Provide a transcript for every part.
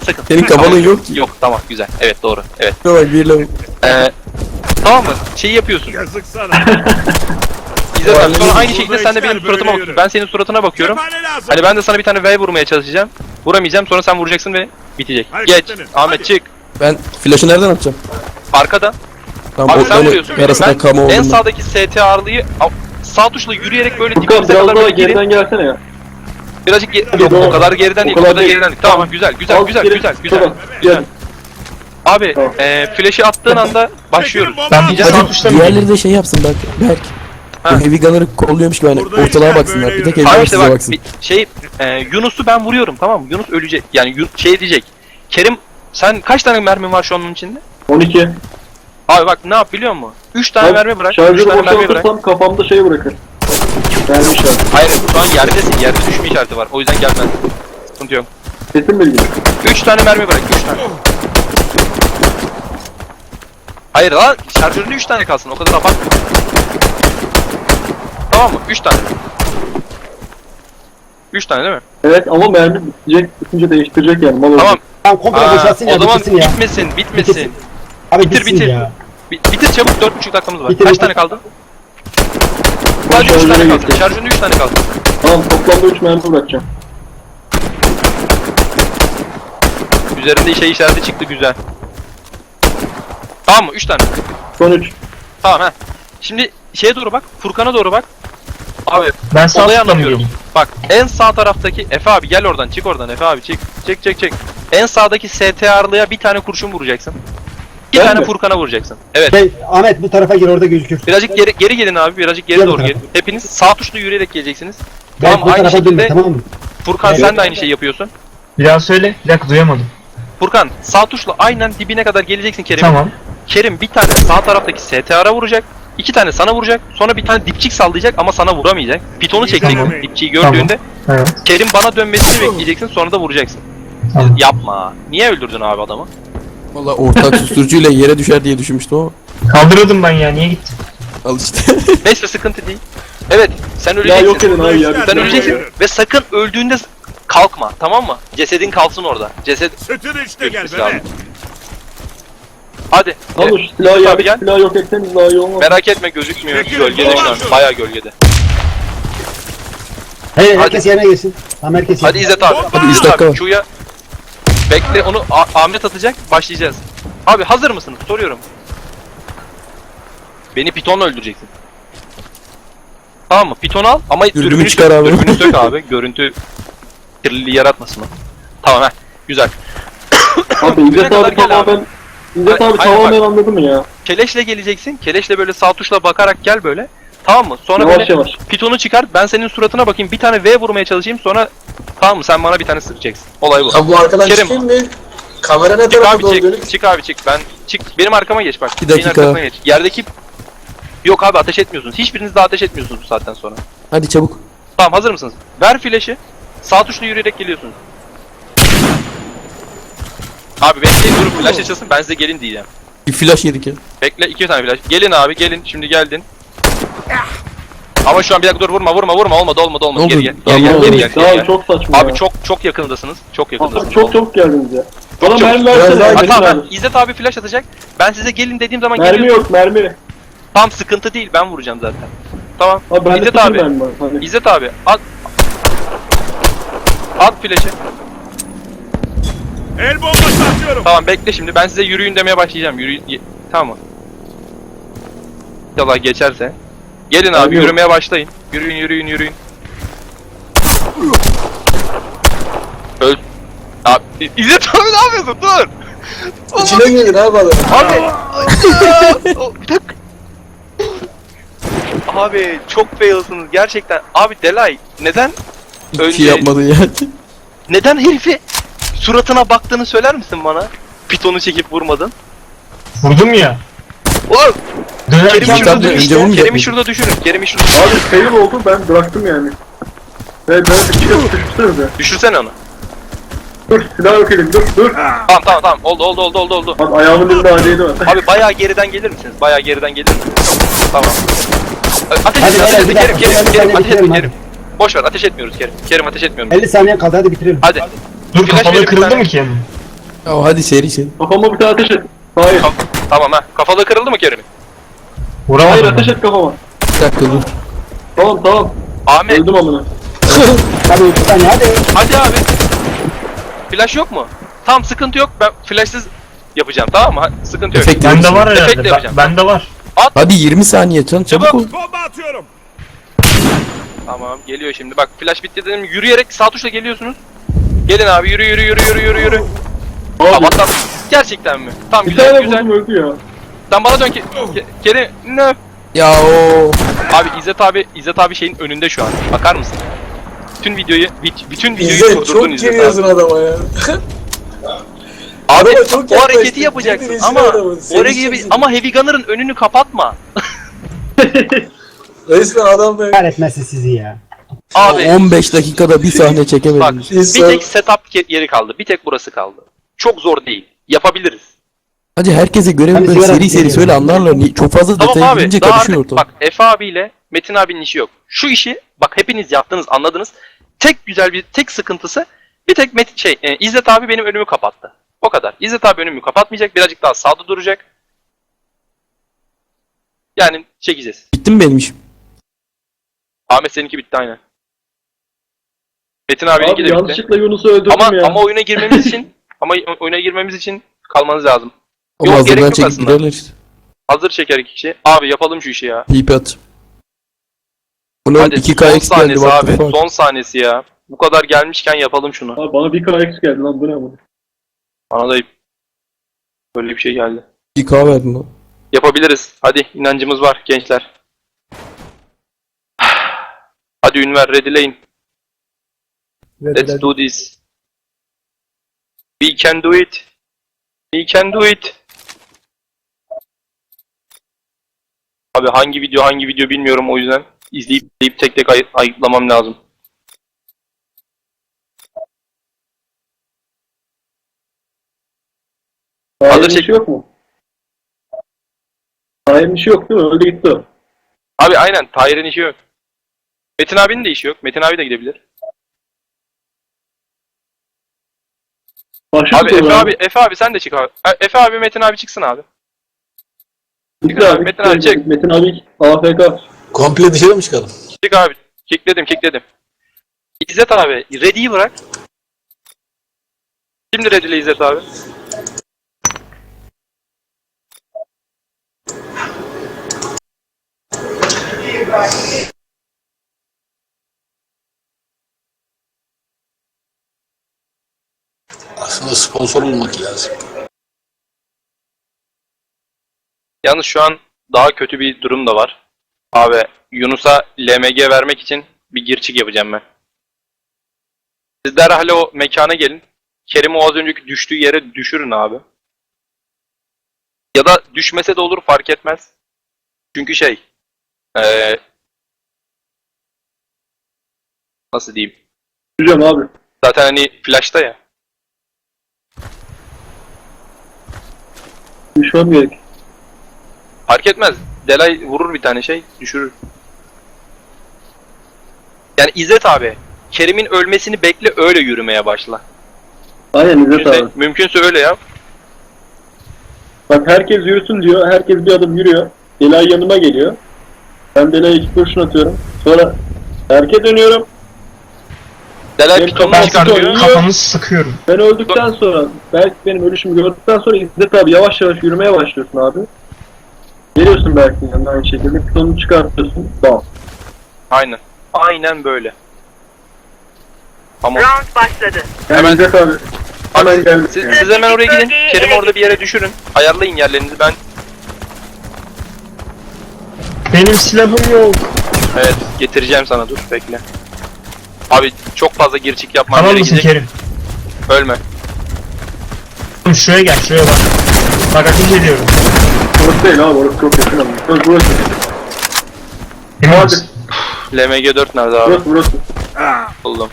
sakın. Senin kafanın yok ki. Yok tamam güzel. Evet doğru. Evet. Bak bir lavuk. Tamam mı? Şeyi yapıyorsun. Yazık sana. İzzet abi sonra aynı şekilde sen de benim suratıma bakıyorsun. Ben senin suratına bakıyorum. Cephane lazım. Hani ben de sana bir tane V vurmaya çalışacağım. Vuramayacağım sonra sen vuracaksın ve bitecek. Geç. Hareketlenin. Ahmet Hadi. çık. Ben flash'ı nereden atacağım? Arkadan. Tamam Abi o sen vuruyorsun. yarısından kama En oldum ben. sağdaki ST ağırlığı sağ tuşla yürüyerek böyle Furkan dibimize biraz kadar daha böyle girin. geriden gelsene ya. Birazcık yok Doğru. o kadar geriden değil. O kadar geriden değil. Tamam güzel güzel Az güzel geri- güzel güzel. Tamam, Güzel. gel. Abi Tamam. flash'i attığın anda başlıyoruz. Ben diyeceğim Hadi sağ tuşla mı diğerleri de şey yapsın bak. Berk. Ha. Bu heavy gunner'ı kolluyormuş gibi hani Burada ortalığa işler baksınlar. böyle Bir tek yürür. heavy Abi gunner işte size bak baksın. Yunus'u ben vuruyorum tamam mı? Yunus ölecek. Yani şey diyecek. Kerim sen kaç tane mermin var şu an onun içinde? 12. Abi bak ne yap biliyor musun? 3 tane mermi bırak. 3 Şarjörü tane mermi bırak. boşaltırsam kafamda şey bırakır. Mermi işareti. Hayır şu an yerdesin. Yerde düşme işareti var. O yüzden gelmez. Sıkıntı yok. Kesin bilgi. 3 tane mermi bırak. 3 tane. Hayır lan şarjöründe 3 tane kalsın. O kadar abartma. Tamam mı? 3 tane. 3 tane değil mi? Evet ama mermi bitecek, bitince değiştirecek yani. Mal Tamam. Tamam komple boşaltsın ya, o zaman bitirsin ya. bitmesin. Bitirsin. Abi Bitir, bitsin bitir. ya. Bitir çabuk 4,5 dakikamız var. Bitir, Kaç bitir. tane kaldı? Sadece 3 tane kaldı. Şarjöründe 3 tane kaldı. Tamam toplamda 3 mermi bırakacağım. Üzerinde şey işareti çıktı güzel. Tamam mı? 3 tane. Son 3. Tamam ha. Şimdi şeye doğru bak. Furkan'a doğru bak. Abi Ben sağ olayı tıkla mı anlatıyorum. geleyim? Bak en sağ taraftaki Efe abi gel oradan çık oradan Efe abi çık. Çık. En sağdaki ST ağırlığa bir tane kurşun vuracaksın. Bir Ben tane mi? Furkan'a vuracaksın. Evet. Ahmet bu tarafa gir, orada gözükür. Birazcık geri gelin abi. Birazcık geri Gel doğru bakalım. gelin. Hepiniz sağ tuşla yürüyerek geleceksiniz. Ben Tamam bu aynı tarafa dönme, şekilde tamam mı? Furkan Evet. sen de aynı şeyi yapıyorsun. Bir daha söyle. Bir dakika duyamadım. Furkan sağ tuşla aynen dibine kadar geleceksin Kerim. Tamam. Kerim bir tane sağ taraftaki STR'a vuracak. 2 tane sana vuracak. Sonra bir tane dipçik sallayacak ama sana vuramayacak. Pitonu çekeceksin Tamam. dipçiyi gördüğünde. Evet. Kerim bana dönmesini bekleyeceksin sonra da vuracaksın. Tamam. Yapma. Niye öldürdün abi adamı? Valla ortak susturucuyla yere düşer diye düşünmüştüm ama. Kaldırıyordum ben ya. Niye gittin? Al işte. Neyse sıkıntı değil. Evet sen Ya öleceksin. yok edin abi ya. Sen öleceksin ve sakın öldüğünde kalkma tamam mı? Cesedin kalsın orada. Ceset Sütün işte gel Gözükmesi bebe. hadi. Al şu silahı Abi yerdeki gel. silahı yok etseniz daha iyi olmaz. Merak etme gözükmüyor. Çekilin, Gölgede şu an. dolaşın. Bayağı gölgede. Hey, Hadi. herkes yerine geçsin. Tamam herkes Hadi yerine. İzzet abi. Hadi, üç İzzet dakika abi var. Q'ya bekle onu Ahmet atacak. Başlayacağız. Abi hazır mısınız? Soruyorum. Beni pitonla öldüreceksin. Tamam mı? Piton al ama Dürbünü çıkar abi. Dürbünü sök abi. Görüntü kirliliği yaratmasın o. Tamam ha. Güzel. Abi Dürbüne İzzet kadar abi gel tamamen... İzzet abi Aynen tamamen anladı mı ya? Keleşle geleceksin. Keleşle böyle sağ tuşla bakarak gel böyle. Tamam mı? Sonra Yavaş böyle yavaş. pitonu çıkar. Ben senin suratına bakayım. Bir tane V vurmaya çalışayım. Sonra tamam mı? Sen bana bir tane sıkacaksın. Olay bu. Ya bu arkadaş Kerim. kim mi? Kamera ne Çık tarafa abi doğru çık. dönük? Çık abi çık. Ben çık. Benim arkama geç bak. Bir Benim dakika. arkasına geç. Yerdeki yok abi ateş etmiyorsunuz. Hiçbiriniz de ateş etmiyorsunuz bu saatten sonra. Hadi çabuk. Tamam hazır mısınız? Ver flash'ı. Sağ tuşla yürüyerek geliyorsunuz. Abi bekleyin durup flash açılsın ben size gelin diyeceğim. Bir flash yedik ya. Bekle 2 tane flash. Gelin abi gelin şimdi geldin. Ama şu an bir dakika dur vurma olmadı Ne oldu? geri gel Tamam, geri Daha gel. çok saçma Abi ya. çok yakındasınız. Çok yakındasınız. Çok çabuk geldiniz ya. Bana çabuk. mermi Biraz versene. daha Ha, Mermi tamam ver. İzzet abi flash atacak. Ben size gelin dediğim zaman Mermi geliyorsunuz. yok mermi. Tam sıkıntı değil ben vuracağım zaten. Tamam. Abi bende İzzet sıfır abi. mermi var. Hani. İzzet abi at. At flash'ı. El bombası atıyorum. Tamam bekle şimdi ben size yürüyün demeye başlayacağım. Yürüyün. Tamam mı? İnşallah geçerse. Gelin abi Yok. yürümeye başlayın. Yürüyün. Öl. Abi İzzet abi ne yapıyorsun? Dur. İçine girin abi adam. Abi. Bir dakika. Abi çok failsınız gerçekten. Abi Delay neden Hiçbir şey yapmadın ya. neden herifi suratına baktığını söyler misin bana? Pitonu çekip vurmadın. Vurdum ya. Oğlum Kerim'i Dönerken Tabii, şurada önce düşürün. vurmayacak Kerim'i mıydı? şurada düşürün. Kerim'i şurada Abi fail oldu ben bıraktım yani. Ben bir kere düşürsenize. düşürsene onu. Dur silah yok elim dur. Tamam. Oldu. Abi ayağımın dibinde acıydı var. Abi bayağı geriden gelir misiniz? Bayağı geriden gelir misiniz? Tamam. Ateş Hadi, etme, hadi, ateş bir etme. dakika, Kerim, bir Kerim, saniye ateş etme bitirelim, Kerim. Boş ver, ateş etmiyoruz Kerim. Kerim ateş etmiyorum. 50 saniye kaldı, hadi bitirelim. Hadi. dur Flash kafalığı verin bir kırıldı tane. mı ki? Ya hadi seri seri. Kafama bir tane ateş et. Hayır. Tamam ha. Kafalığı kırıldı mı Kerim'in? Hayır Vuramadım. ateş et kafama. Bir dakika dur. Tamam. Ahmet Öldüm amına. Hadi 3 saniye hadi. hadi abi. Flash yok mu? Tamam sıkıntı yok. Ben flashsız yapacağım tamam mı? Sıkıntı yok. Efekt Bende var Efektle herhalde. yapacağım. Bende var. Hadi 20 saniye çabuk Çabuk. ol. Bomba atıyorum. Tamam geliyor şimdi. Bak flash bitti dedim. Yürüyerek sağ tuşla geliyorsunuz. Gelin abi yürü. Abi Tamam atla. Gerçekten mi? Tamam bir güzel tane güzel. vurdum öldü ya. Sen bana dön ki. Kerim ne? Ya o. Abi İzzet abi şeyin önünde şu an. Bakar mısın? Bütün videoyu İzzet durdurdun çok İzzet giriyorsun abi. adama ya. Abi Adama çok o hareketi yaklaştın, yapacaksın kendini ama izle adamı, seni o hareketi izle. ama Heavy Gunner'ın önünü kapatma. Resmen adam be. Kahretmesin sizi ya. Abi 15 dakikada bir sahne bak çekemediniz. bir İnsan- tek setup yeri kaldı. Bir tek burası kaldı. Çok zor değil. Yapabiliriz. Hadi herkese görevi Hadi böyle sigara seri seri içelim. söyle anlarlar. Çok fazla Tamam detaya abi. girince Daha karışıyor artık ortam. bak Efe abiyle Metin abinin işi yok. Şu işi bak hepiniz yaptınız anladınız. Tek sıkıntısı bir tek İzzet abi benim önümü kapattı. O kadar. İzzet abi önümü kapatmayacak. Birazcık daha sağda duracak. Yani çekeceğiz. Bitti mi benim işim? Ahmet seninki bitti aynen. Metin abininki Abi de bitti. yanlışlıkla Yunus'u öldürdüm Ama ya. ama oyuna girmemiz için kalmanız lazım. Ama Yok, gerek hazırdan yok çekip aslında. girerler işte. Hazır çeker iki kişi. Abi yapalım şu işi ya. TP at. Bunun Hadi 2K son X geldi saniyesi what abi. the fuck. Son saniyesi ya. Bu kadar gelmişken yapalım şunu. Abi bana bir KX geldi lan bu ne bu? Bana da böyle bir şey geldi. 2K verdin lan. Yapabiliriz. Hadi inancımız var gençler. Hadi Ünver readyleyin. Let's do this. We can do it. We can do it. Abi hangi video bilmiyorum o yüzden izleyip tek tek ayıklamam lazım. Hayır'ın Hazır çek- işi yok mu? Hayır'ın işi yok değil mi? Öldü gitti o. Abi aynen Tahir'in işi yok. Metin abinin de işi yok. Metin abi de gidebilir. Başlık Abi Efe abi sen de çık abi. Efe abi Metin abi çıksın abi. Metin abi, Metin abi çek. Metin abi AFK. Komple dışarı mı çıkalım? Çık abi. Kickledim. İzzet abi ready'yi bırak. Şimdi ready'le İzzet abi. Aslında sponsor olmak lazım. Yalnız şu an daha kötü bir durum da var. Abi Yunus'a LMG vermek için bir girçik yapacağım ben. Siz derhal o mekana gelin. Kerim'i o az önceki düştüğü yere düşürün abi. Ya da düşmese de olur fark etmez. Çünkü nasıl diyeyim? Düşeceğim abi. Zaten hani flash'ta ya. Düşmem gerek. Fark etmez. Delay vurur bir tane düşürür. Yani İzzet abi, Kerim'in ölmesini bekle öyle yürümeye başla. Aynen İzzet abi. Mümkünse öyle yap. Bak herkes yürüsün diyor. Herkes bir adım yürüyor. Delay yanıma geliyor. Ben Delay'a 2 kurşun atıyorum. Sonra herkes dönüyorum. Delay Benim pitonunu kafam çıkartıyor. sıkıyor. Kafanızı sıkıyorum. Ben öldükten sonra, belki benim ölüşümü gördükten sonra İzzet abi yavaş yavaş yürümeye başlıyorsun abi. Geliyorsun belki yanına aynı şekilde. Pitonunu çıkartıyorsun. Bam. Aynen. Aynen böyle. Tamam. Round başladı. Yani Hemen- İzzet abi. Hemen geldik Siz, yani. siz hemen oraya gidin. Bölgeyi Kerim'i ele orada bir yere düşürün. Ayarlayın yerlerinizi. Ben Benim silahım yok. evet getireceğim sana dur bekle. Abi çok fazla girçik yapmam Tamam mısın gerekecek. Kerim? Ölme. Oğlum şuraya gel, şuraya bak. Bak ateş ediyorum. Orası değil abi, orası çok yakın ama. Burası. Emin Hadi. misin? LMG 4 nerede abi? Burası. Buldum.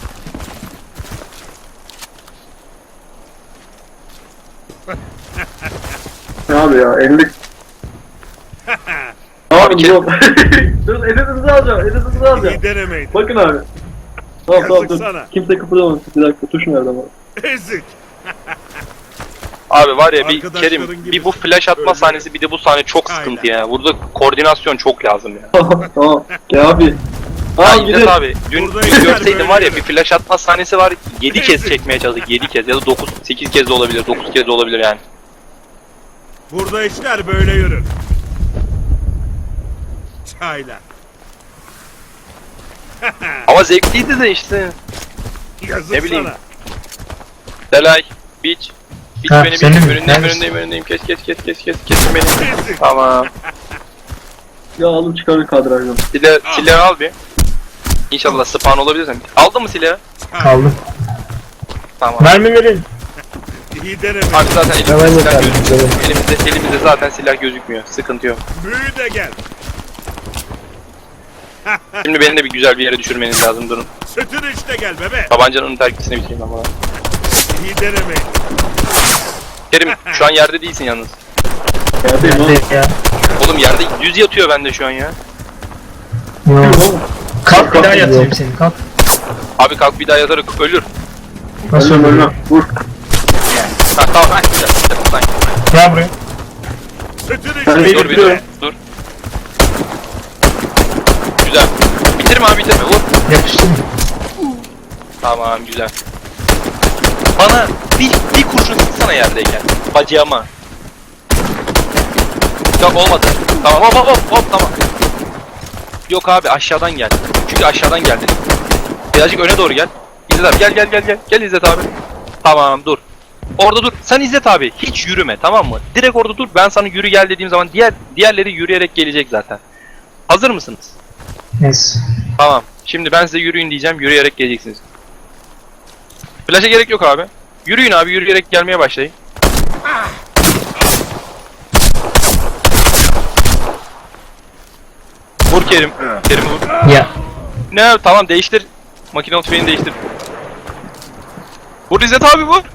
Ne abi ya, 50. Abi Kerim- yok. Dur, editinizi alacağım, editinizi alacağım. İyi denemeydi. Bakın abi. Tamam dur. Yazık sana. Kimse kıpırdamasın. Bir dakika, tuş nerede ama? Ezik. Abi var ya bir Arkadaşların Kerim gibi bir bu flash atma öyle. sahnesi bir de bu sahne çok Aynen. sıkıntı ya. Burada koordinasyon çok lazım ya. Tamam. Ya abi. Ha Abi İzzet gidelim. abi dün Burada görseydin yeter var ya böyle. bir flash atma sahnesi var 7 kez çekmeye çalıştık 7 kez ya da 9 8 kez de olabilir 9 kez de olabilir yani. Burada işler böyle yürür. Çayla. Ama zevkliydi de işte. Yazık Ne bileyim. sana. Delay, Beach. Beach Ha, beni senin Beach. mi? Önündeyim Neredesin? önündeyim. Kesin beni. Ezik. Tamam. Ya alın çıkarın kadrajdan. Silahı al bir. İnşallah spawn olabilirsen. Aldın mı silahı? Kaldım. Tamam. Mermi verin. İyi deneme. Abi zaten elimizde Hemen silah yeter, gözükmüyor. Elimizde zaten silah gözükmüyor. Sıkıntı yok. Büyü de gel. Şimdi beni de bir güzel bir yere düşürmeniz lazım durun. Sütün işte gel bebe. Tabancanın terkisini bitireyim ama. İyi deneme. Kerim şu an yerde değilsin yalnız. Yerdeyim oğlum. Ya. Oğlum yerde düz yatıyor bende şu an ya. Yok. Oğlum. Kalk bir daha yatırayım seni kalk. Abi kalk bir daha yatarak ölür. Nasıl Ölmem ölüyor? ölmem. Vur. Ha tamam ha güzel. Güzel. Gel buraya. Sütün Ben işte de Dur bir dur. bitiriyorum. Dur. Güzel. Bitirme abi bitirme. Vur. Yapıştır mı? Tamam güzel. Bana bir kurşun sıksana yerdeyken. Bacağıma. Yok olmadı. Tamam hop tamam. Yok abi aşağıdan gel. Çünkü aşağıdan geldi. Birazcık öne doğru gel. İzzet abi gel. Gel İzzet abi. Tamam dur. Orada dur. Sen İzzet abi hiç yürüme tamam mı? Direkt orada dur. Ben sana yürü gel dediğim zaman diğerleri yürüyerek gelecek zaten. Hazır mısınız? Yes. Tamam. Şimdi ben size yürüyün diyeceğim. Yürüyerek geleceksiniz. Flash'a gerek yok abi. Yürüyün abi. Yürüyerek gelmeye başlayın. Vur Kerim. Kerim vur. Ya. Ne? Tamam değiştir. Makine tüfeğini değiştir. Vur İzzet abi vur.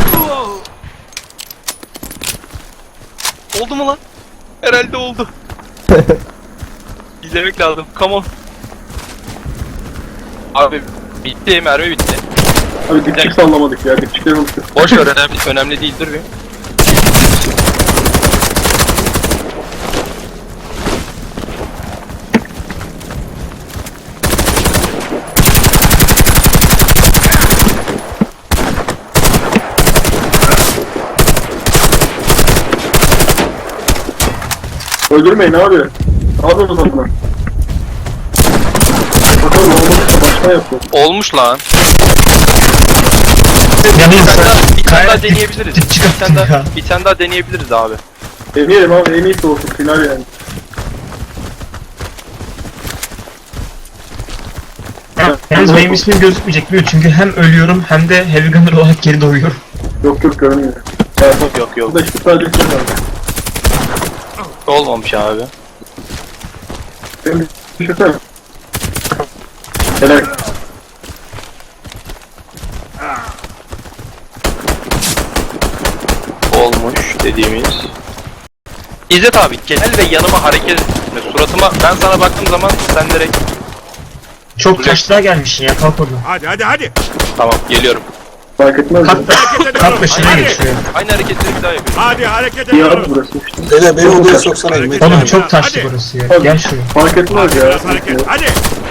Oldu mu lan? Herhalde oldu. İzlemek lazım. Come on. Abi bitti. Mermi bitti. Abi dipçik sallamadık ya. Dipçikleri unuttuk. Boş ver önemli değildir bir. Öldürmeyin abi. Ne yapıyorsunuz adına? Bakalım olmadı. Başka yapıyor. Olmuş lan. Yanayım Bir tane daha Kaya- deneyebiliriz. Dip çıkarttın ya. Bir tane daha deneyebiliriz abi. Deneyelim abi. En iyisi olsun. Final yani. Yalnız benim ismim gözükmeyecek biliyor çünkü hem ölüyorum hem de Heavy Gunner olarak geri doğuyorum. Yok görünmüyor. Ya bak. Yok. Burada işte sadece bir şey var. Olmamış abi. Benim düşünsene. Helal. Olmuş dediğimiz. İzzet abi gel ve yanıma hareket etme. Suratıma ben sana baktığım zaman sen direkt Çok taşlığa gelmişsin ya kalk oradan. Hadi. tamam geliyorum. Fark etmez. Kalk da, Hareket ediyorum. kalk da şuraya Hadi. geç şuraya. Aynı hareketleri bir daha yapıyorum. Hadi hareket İyi abi ediyorum. burası işte. Hele beni odaya soksana. Hareket- Oğlum Hadi. çok taşlı burası ya. Gel şuraya. Fark etmez ya. Biraz hareket. Hadi.